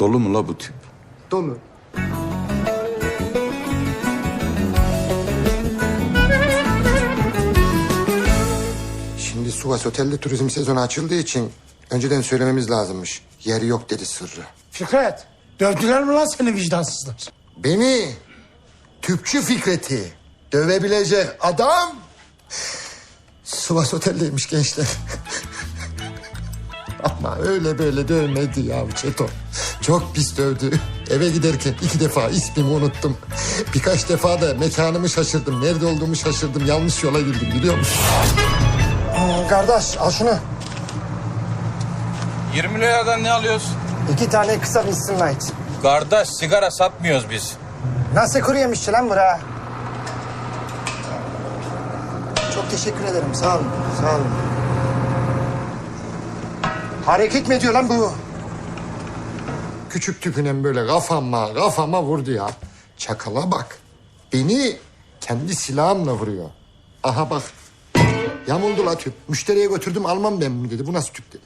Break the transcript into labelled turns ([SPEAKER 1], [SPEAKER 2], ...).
[SPEAKER 1] Dolu mu la bu tüp?
[SPEAKER 2] Dolu. Şimdi Sivas Otel'de turizm sezonu açıldığı için önceden söylememiz lazımmış. Yeri yok dedi sırrı.
[SPEAKER 3] Fikret, dövdüler mi lan seni vicdansızlar?
[SPEAKER 2] Beni tüpçü Fikret'i dövebilecek adam Sivas Otel'deymiş gençler. Ama öyle böyle dövmedi ya Çeto. Çok pis dövdü. Eve giderken 2 defa ismimi unuttum. Birkaç defa da mekanımı şaşırdım. Nerede olduğumu şaşırdım. Yanlış yola girdim biliyor musun? Kardeş al şunu.
[SPEAKER 4] 20 liradan ne alıyoruz?
[SPEAKER 2] 2 tane kısa Winston Light.
[SPEAKER 4] Kardeş sigara satmıyoruz biz.
[SPEAKER 2] Nasıl kuru yemişçi lan bura? Çok teşekkür ederim. Sağ olun. Sağ olun. Hareket mi ediyor lan bu? Küçük tüpünen böyle kafama vurdu ya. Çakala bak. Beni kendi silahımla vuruyor. Aha bak. Yamuldu la tüp. Müşteriye götürdüm almam ben bunu dedi. Bu nasıl tüp dedi.